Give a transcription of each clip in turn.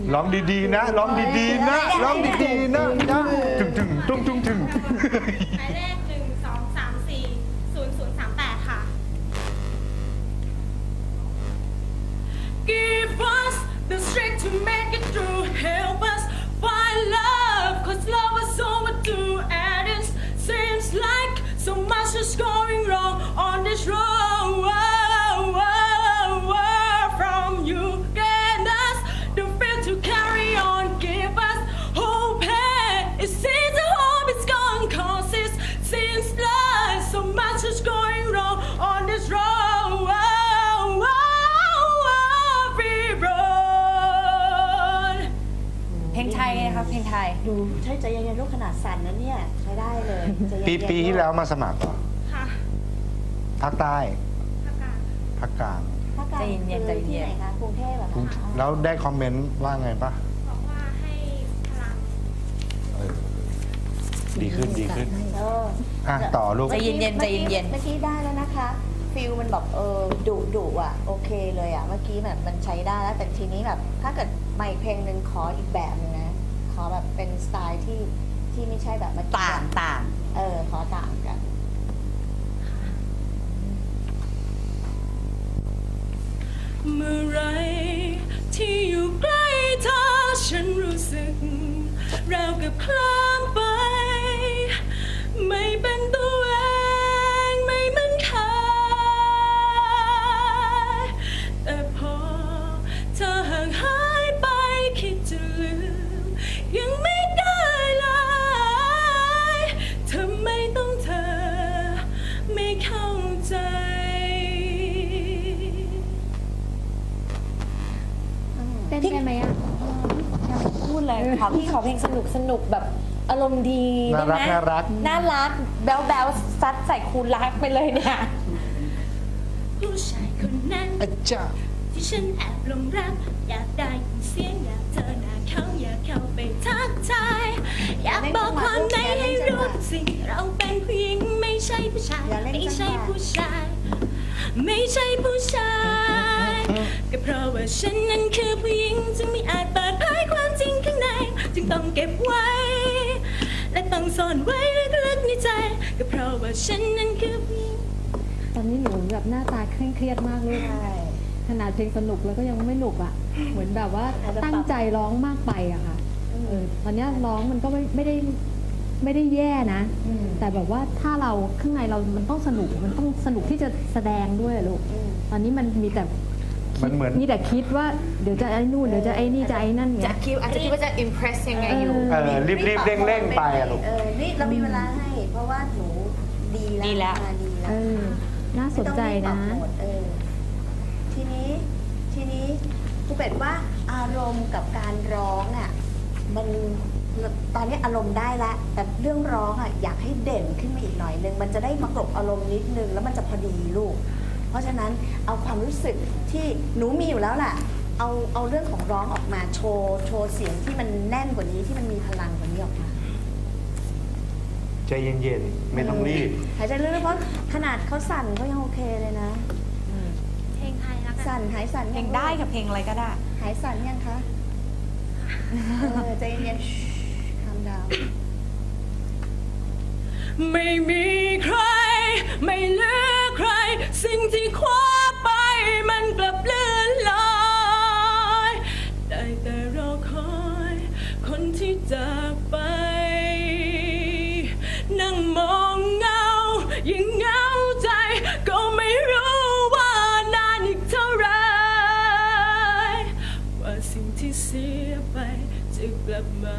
ร้องดีๆนะร้องดีๆนะร้องดีๆนะถึงตุ้งถึงหมายเลข123400038ค่ะ Give us the strength to make it through. Help us find love, 'cause love is overdue. And it seems like so much is going wrong on this road. From you, get us the faith to carry on. Give us hope. It seems the hope is gone, 'cause it seems like so much is going wrong on this road. We road. เพลงไทยไงครับเพลงไทยดูใช่ใจเย็นๆลูกขนาดสั่นนะเนี่ยใช้ได้เลยใจเย็นๆปีที่แล้วมาสมัครเหรอค่ะภาคใต้ภาคกลางภาคกลางภาคกลางใจเย็นๆคือที่ไหนคะกรุงเทพเหรอคะแล้วได้คอมเมนต์ว่าไงปะบอกว่าให้พลังเออดีขึ้นเอออ่ะต่อลูกใจเย็นๆใจเย็นๆเมื่อกี้ได้แล้วนะคะฟิลมันแบบดุอ่ะโอเคเลยอ่ะเมื่อกี้แบบมันใช้ได้แล้วแต่ทีนี้แบบถ้าเกิดใหม่เพลงหนึ่งขออีกแบบหนึงนะขอแบบเป็นสไตล์ที่ไม่ใช่แบบเมื่อกี้ต่างขอต่างกันเมื่อไรที่อยู่ใกล้เธอฉันรู้สึกราวกับคลามไป ไม่เป็นตัวเองไม่เหมือนเคยแต่พอเธอห่างหายไปคิดจะลืมยังไม่ได้เลยทำไมต้องเธอไม่เข้าใจเต้นได้ไหมอ่ะพูดเลยขอพี่ขอเพลงสนุกแบบอารมณ์ดีได้ไหมน่ารักน่ารักแบ๊วซัดใส่คูณรักไปเลยเนี่ยผู้ชายคนนั้นอาจารย์ที่ฉันแอบหลงรัก อยากได้ยินเสียงอยากเจอหน้าเขาอยากเข้าไปทักทาย อยากบอกความในให้รู้สิเราเป็นผู้หญิงไม่ใช่ผู้ชาย ไม่ใช่ผู้ชาย ไม่ใช่ผู้ชายก็เพราะว่าฉันนั้นคือผู้หญิงจึงไม่อาจเปิดเผยความจริงข้างใน จึงต้องเก็บไว้ และต้องซ่อนไว้ลึกๆในใจก็เพราะว่าฉันนั้นคือผู้หญิงตอนนี้หนูแบบหน้าตาเคร่งเครียดมากเลยใช่ขนาดเพลงสนุกแล้วก็ยังไม่หนุกอ่ะ เหมือนแบบว่าตั้งใจร้องมากไปอะค่ะตอนเนี้ยร้องมันก็ไม่ได้แย่นะ แต่แบบว่าถ้าเราข้างในเรามันต้องสนุกมันต้องสนุกที่จะแสดงด้วยอะลูกตอนนี้มันมีแต่มันเหมือนมีแต่คิดว่าเดี๋ยวจะไอ้นู่นเดี๋ยวจะไอ้นี่จะไอ้นั่นจะเงี้ยคิดอาจจะคิดว่าจะ impress ยังไงอยู่รีบเร่งไปอะลูกนี่เรามีเวลาให้ เพราะว่าหนูดีแล้วดีแล้วมาดีแล้วน่าสนใจนะไม่ต้องรีบปรับโหมดทีนี้ครูเป็ดว่าอารมณ์กับการร้องอ่ะมันตอนนี้อารมณ์ได้แล้วแต่เรื่องร้องอ่ะอยากให้เด่นขึ้นมาอีกหน่อยนึงมันจะได้มากลบอารมณ์นิดนึงแล้วมันจะพอดีลูก เพราะฉะนั้นเอาความรู้สึกที่หนูมีอยู่แล้วแหละเอาเรื่องของร้องออกมาโชว์เสียงที่มันแน่นกว่านี้ที่มันมีพลังกว่านี้ออกมาใจเย็นๆไม่ต้องรีบหายใจลึกๆเพราะขนาดเขาสั่นเขายังโอเคเลยนะเพลงไทยแล้วกันสั่นหายสั่นเพลยังได้กับเพลงอะไรก็ได้หายสั่นยังคะใจเย็นๆทำดาวไม่มีใคร ไม่เหลือใคร สิ่งที่คว้าไปมันกลับเลื่อนลอยได้แต่รอคอย คนที่จากไป นั่งมองเงายิ่งเหงาใจ ก็ไม่รู้ว่านานอีกเท่าไรว่าสิ่งที่เสียไปจะกลับมา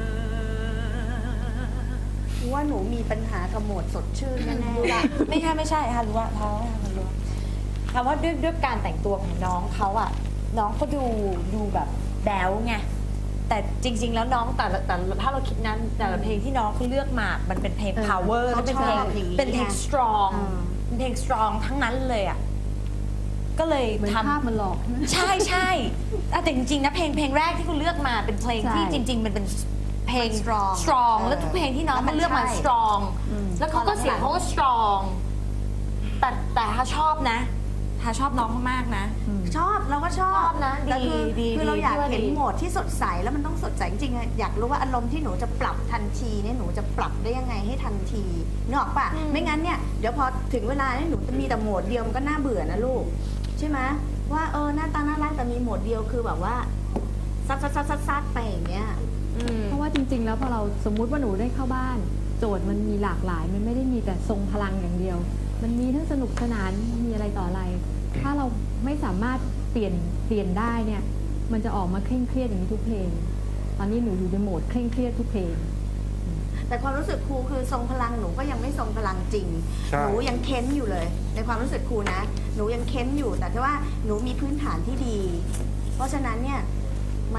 ว่าหนูมีปัญหากับโหมดสดชื่นแน่รู้ละไม่ใช่ค่ะรู้ว่าเพราะว่ามันรู้คำว่าด้วยการแต่งตัวของน้องเขาอะน้องก็ดูแบบแบ๊วไงแต่จริง ๆ แล้วน้องแต่ถ้าเราคิดนั้นแต่ละเพลงที่น้องเขาเลือกมา มันเป็นเพลง power และเป็นเพลงstrong เป็นเพลง strong ทั้งนั้นเลยอะก็เลยเหมือนทำภาพมันหลอกใช่ไหมใช่แต่จริงๆนะเพลงแรกที่คุณเลือกมาเป็นเพลงที่ใช่จริง ๆ มันเป็นเพลง strong แล้วทุกเพลงที่น้องมันเลือกมา strong แล้วเขาก็เสียงเขาก็ strong แต่ถ้าชอบนะ ถทาชอบน้องมากๆนะชอบเราก็ชอบชอบนะแต่คือดีคือเราอยากพี่ว่าเห็นดีโหมดที่สดใสแล้วมันต้องสดใสจริงๆอะอยากรู้ว่าอารมณ์ที่หนูจะปรับทันทีเนี่ยหนูจะปรับได้ยังไงให้ทันทีนึกออกปะไม่งั้นเนี่ยเดี๋ยวพอถึงเวลาเนี่ยหนูจะมีแต่โหมดเดียวมันก็น่าเบื่อนะลูกใช่ไหมว่าหน้าตาน่ารักแต่มีโหมดเดียวคือแบบว่าซัดไปอย่างเงี้ยเพราะว่าจริง ๆ แล้วพอเราสมมุติว่าหนูได้เข้าบ้าน โจทย์มันมีหลากหลาย มันไม่ได้มีแต่ทรงพลังอย่างเดียว มันมีทั้งสนุกสนานมีอะไรต่ออะไร ถ้าเราไม่สามารถเปลี่ยนได้เนี่ย มันจะออกมาเคร่งเครียดอย่างนี้ทุกเพลง ตอนนี้หนูอยู่ในโหมดเคร่งเครียดทุกเพลงแต่ความรู้สึกครูคือทรงพลังหนูก็ยังไม่ทรงพลังจริงใช่หนูยังเค้นอยู่เลย ในความรู้สึกครูนะ หนูยังเค้นอยู่แต่ว่าหนูมีพื้นฐานที่ดี เพราะฉะนั้นเนี่ยมัน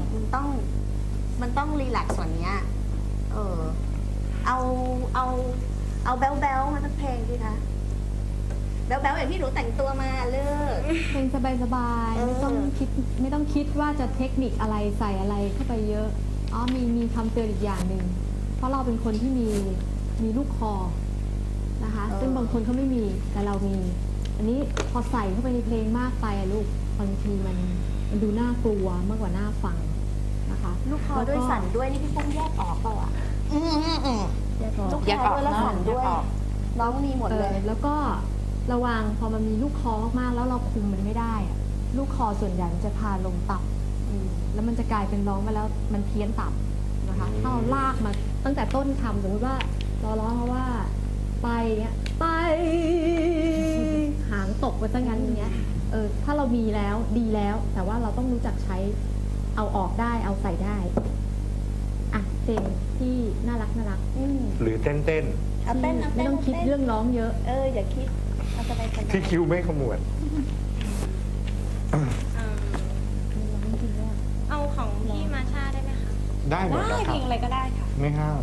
ต้องรีแลกซ์ส่วนเนี้ยเอาแบ๊วๆมาสักเพลงสิคะแบ๊วๆอย่างที่หนูแต่งตัวมาเลิกเพลงสบายๆ ไม่ต้องคิดว่าจะเทคนิคอะไรใส่อะไรเข้าไปเยอะมีคำเตือนอีกอย่างหนึ่งเพราะเราเป็นคนที่มีลูกคอนะคะ ซึ่งบางคนเขาไม่มีแต่เรามี อันนี้พอใส่เข้าไปในเพลงมากไปอะลูกบางทีมันดูน่ากลัวมากกว่าน่าฟังนะคะลูกคอด้วยสั่นด้วยนี่พี่ปุ้มแยกออกเปล่าอ่ะแยกออกลูกคอด้วยแล้วสั่นด้วยน้องมีหมดเลยแล้วก็ระวังพอมันมีลูกคอมากๆแล้วเราคุมมันไม่ได้อะลูกคอส่วนใหญ่มันจะพาลงต่ำแล้วมันจะกลายเป็นร้องมาแล้วมันเพี้ยนต่ำนะคะถ้าเราลากมาตั้งแต่ต้นคำสมมติว่าเราร้องมาว่าไปเงี้ยไปหางตกไปซะงั้นอย่างเงี้ยถ้าเรามีแล้วดีแล้ว แต่ว่าเราต้องรู้จักใช้เอาออกได้เอาใส่ได้อ่ะเพลงที่น่ารักหรือเต้นเอาเต้นไม่ต้องคิดเรื่องร้องเยอะอย่าคิดเอาสบายๆที่คิวไม่ขมวดเอาของพี่มาชาได้ไหมคะได้หมดได้นะคเพลรับงอะไรก็ได้ค่ะไม่ห้าม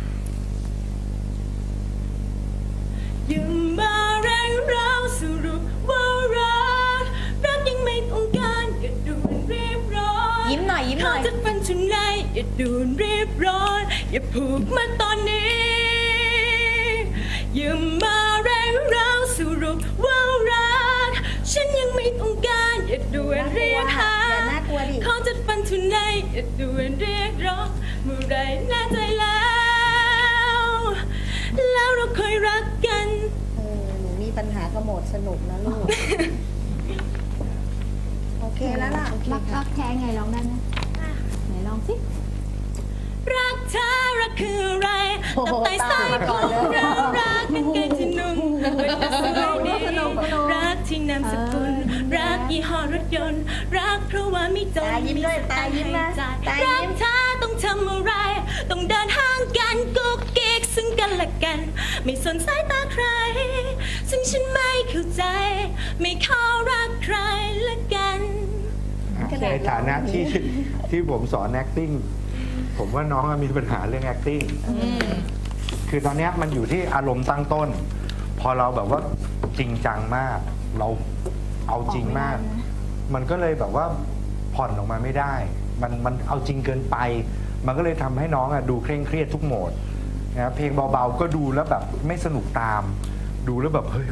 อย่ามาแรงเราสรุปว่ารักยังไม่ต้องการอย่าด่วนรีบร้อนยิ้มหน่อยขอจะเป็นชุนในอย่าด่วนรีบร้อนอย่าผูกมันตอนนี้อย่ามาแรงเราสรุปว่ารักฉันยังไม่ต้องการอย่าด่วนเรียกหาอย่าน่ากลัวดิขอจะเป็นชุนในอย่าด่วนเรียกร้องเมื่อไรแน่ใจแล้วเราเคยรักกันหนูมีปัญหาขโมดสนุกนะลูก โอเคแล้วล่ะรักแท้ไงร้องได้ไหมไหนลองสิรักเธอรักคืออะไรโอ้โหตับไตไส้พุงเรารักเป็นเกงที่นุ่งเป็นกระสวยดีรักที่นามสกุลรักยี่ห้อรถยนต์รักเพราะว่าไม่จนตายิ้มด้วยตายิ้มนะจ่ายตารัยิ้กมเธอต้องทำอะไร ต้องเดินห่างกันกุ๊กกิ๊กซึ่งกันและกัน ไม่สนสายตาใคร ซึ่งฉันไม่เข้าใจ ไม่ขอรักใครละกันในฐานะที่ผมสอน acting ผมว่าน้องมีปัญหาเรื่อง acting คือตอนเนี้ยมันอยู่ที่อารมณ์ตั้งต้น พอเราแบบว่าจริงจังมาก เราเอาจริงมาก มันก็เลยแบบว่าผ่อนออกมาไม่ได้ มันเอาจริงเกินไป มันก็เลยทำให้น้องอะดูเคร่งเครียดทุกโหมดนะเพลงเบาๆก็ดูแล้วแบบไม่สนุกตาม ดูแล้วแบบเฮ้ย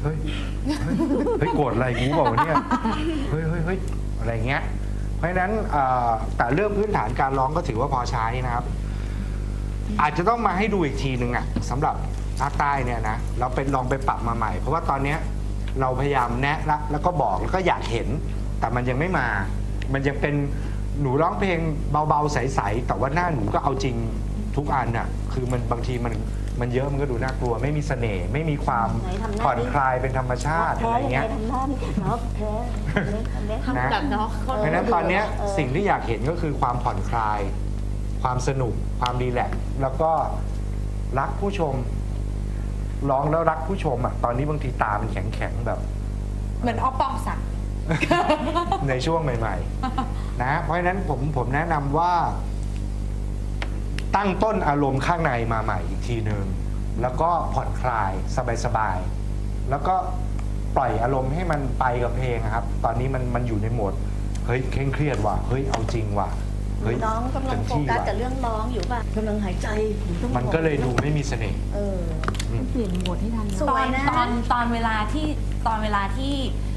โกรธอะไรกูเปล่าวะเนี่ยเฮ้ยอะไรเงี้ย เพราะฉะนั้นแต่เรื่องพื้นฐานการร้องก็ถือว่าพอใช้นะครับ อาจจะต้องมาให้ดูอีกทีนึงอ่ะสำหรับภาคใต้เนี่ยนะเราไปลองไปปรับมาใหม่ เพราะว่าตอนเนี้ยเราพยายามแนะแล้วก็บอกแล้วก็อยากเห็น แต่มันยังไม่มา มันยังเป็นหนูร้องเพลงเบาๆใสๆแต่ว่าหน้าหนูก็เอาจริงทุกอันอ่ะคือมันบางทีมันเยอะมันก็ดูน่ากลัว ไม่มีเสน่ห์ไม่มีความผ่อนคลายเป็นธรรมชาติอะไรเงี้ยทำหน้าดิเนาะแพ้นะแบบน้องเพราะฉะนั้นตอนเนี้ยสิ่งที่อยากเห็นก็คือความผ่อนคลาย ความสนุกความรีแลกซ์แล้วก็รักผู้ชมร้องแล้วรักผู้ชมอ่ะตอนนี้บางทีตามันแข็งๆแบบเหมือนออฟปองศักดิ์ในช่วงใหม่ๆนะเพราะฉะนั้นผมแนะนำว่า ตั้งต้นอารมณ์ข้างในมาใหม่อีกทีหนึ่งแล้วก็ผ่อนคลายสบายๆแล้วก็ปล่อยอารมณ์ให้มันไปกับเพลงครับ ตอนนี้มันอยู่ในโหมดเฮ้ยเคร่งเครียดว่ะเฮ้ยเอาจริงว่ะเฮ้ยน้องกำลังโฟกัสกับเรื่องร้องอยู่ป่ะกำลังหายใจมันก็เลยดูไม่มีเสน่ห์เปลี่ยนโหมดให้ทันนะสวยนะตอนเวลาที่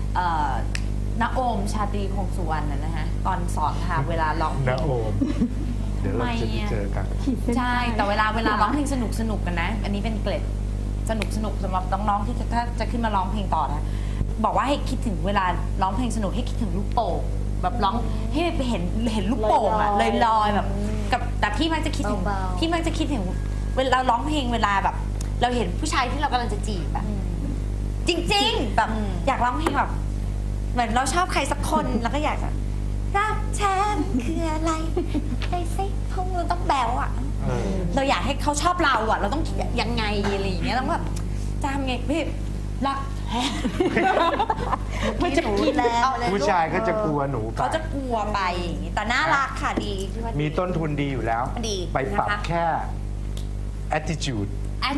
ณโอมชาตรีคงสุวรรณนะฮะตอนสอนค่ะเวลาร้องเพลนะงโอม เดี๋ยวเราจะได้เจอกันขีดเส้นใช่ใต้แต่เวลาร้องเพลงสนุกกันนะ อันนี้เป็นเกร็ดสนุกสำหรับน้องๆที่ถ้าจะขึ้นมาร้องเพลงต่อนะบอกว่าให้คิดถึงเวลาร้องเพลงสนุกให้คิดถึงลูกโป่งแบบร้องให้ไปเห็นลูกโป่งอะลอยๆแบบกับแต่พี่มักจะคิดถึงเบาๆพี่มักจะคิดถึงเวลาเราร้องเพลงเวลาแบบ เราเห็นผู้ชายที่เรากำลังจะจีบแบบจริงๆแบบอยากร้องเพลงแบบเหมือนเราชอบใครสักคนแล้วก็อยากจะรักฉันคืออะไรไปสิพวกเราต้องแบวอะเออเราอยากให้เขาชอบเราอะเราต้องยังไงอะไรอย่างเงี้ยต้องแบบจะทำไงพี่รักแท้มันจะกินแล้วผู้ชายก็จะกลัวหนูไปเขาจะกลัวไปอย่างงี้แต่น่ารักค่ะดีที่ว่ามีต้นทุนดีอยู่แล้วดีไปปรับนะคะแค่ attitude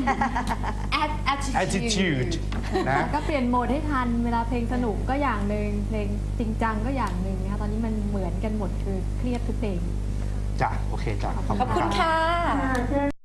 attitude นะก็เปลี่ยนโหมดให้ทันเวลาเพลงสนุกก็อย่างหนึ่งเพลงจริงจังก็อย่างหนึ่งนะคะตอนนี้มันเหมือนกันหมดคือเครียดทุกเพลงจ้ะ โอเคจ้ะขอบคุณค่ะ